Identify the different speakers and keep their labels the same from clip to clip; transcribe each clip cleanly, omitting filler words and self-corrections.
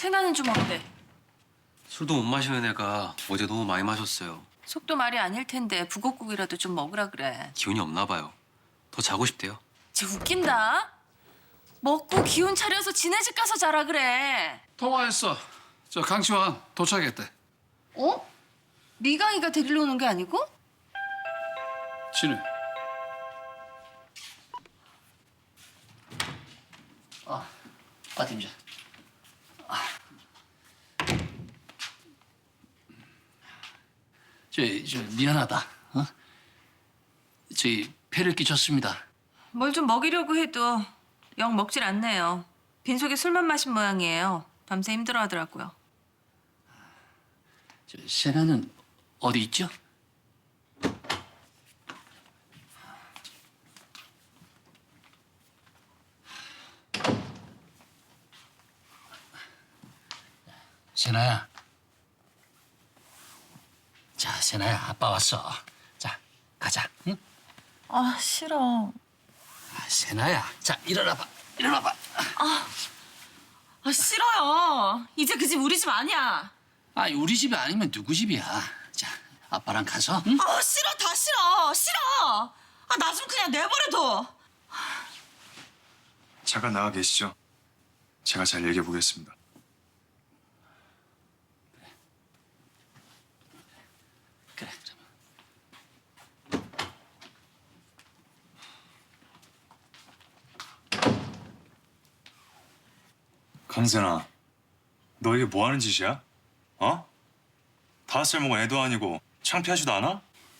Speaker 1: 세나는 좀 어때?
Speaker 2: 술도 못 마시는 애가 어제 너무 많이 마셨어요.
Speaker 1: 속도 말이 아닐 텐데 북엇국이라도 좀 먹으라 그래.
Speaker 2: 기운이 없나 봐요. 더 자고 싶대요.
Speaker 1: 쟤 웃긴다. 먹고 기운 차려서 지네 집 가서 자라 그래.
Speaker 3: 통화했어. 저 강치환 도착했대.
Speaker 1: 어? 미강이가 데리러 오는 게 아니고?
Speaker 3: 진우.
Speaker 4: 팀장. 저 미안하다. 어? 저희 폐를 끼쳤습니다.
Speaker 1: 뭘 좀 먹이려고 해도 영 먹질 않네요. 빈속에 술만 마신 모양이에요. 밤새 힘들어하더라고요.
Speaker 4: 저 세나는 어디 있죠? 세나야. 자, 세나야, 아빠 왔어. 자, 가자. 응?
Speaker 5: 아, 싫어.
Speaker 4: 아, 세나야, 자, 일어나봐. 일어나봐.
Speaker 1: 아 싫어요. 이제 그 집 우리 집 아니야.
Speaker 4: 아, 우리 집이 아니면 누구 집이야? 자, 아빠랑 가서. 응?
Speaker 1: 아 싫어 다 싫어 싫어. 아 나 좀 그냥 내버려둬.
Speaker 6: 잠깐 나가 계시죠. 제가 잘 얘기해 보겠습니다.
Speaker 4: 그래, 잠깐만.
Speaker 6: 강세나, 너 이게 뭐 하는 짓이야? 어? 5살 먹은 애도 아니고 창피하지도 않아?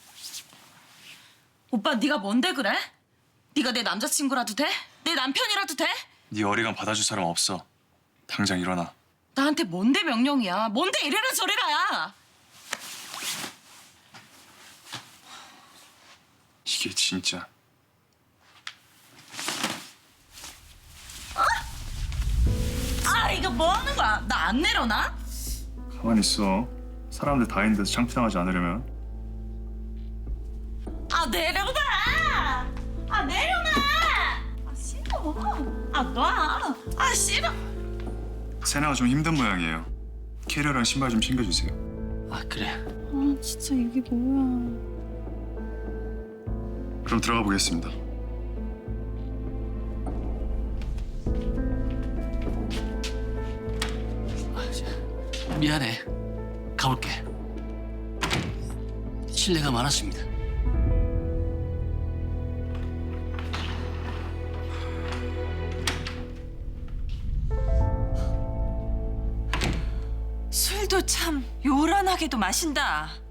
Speaker 1: 오빠 네가 뭔데 그래? 네가 내 남자친구라도 돼? 내 남편이라도 돼?
Speaker 6: 네 어리광 받아줄 사람 없어. 당장 일어나.
Speaker 1: 나한테 뭔데 명령이야? 뭔데 이래라 저래라야?
Speaker 6: 이게 진짜.
Speaker 1: 아 이거 뭐 하는 거야? 나 안 내려놔?
Speaker 6: 가만히 있어. 사람들 다 있는데서 창피당하지 않으려면.
Speaker 1: 아 내려놔! 아 내려놔! 아 싫어. 아 놔. 아 싫어.
Speaker 6: 세나가 좀 힘든 모양이에요. 캐리어랑 신발 좀 챙겨주세요.
Speaker 4: 아, 그래.
Speaker 5: 아, 진짜 이게 뭐야.
Speaker 6: 그럼 들어가 보겠습니다.
Speaker 4: 아, 미안해. 가볼게. 실례가 많았습니다.
Speaker 1: 술도 참 요란하게도 마신다.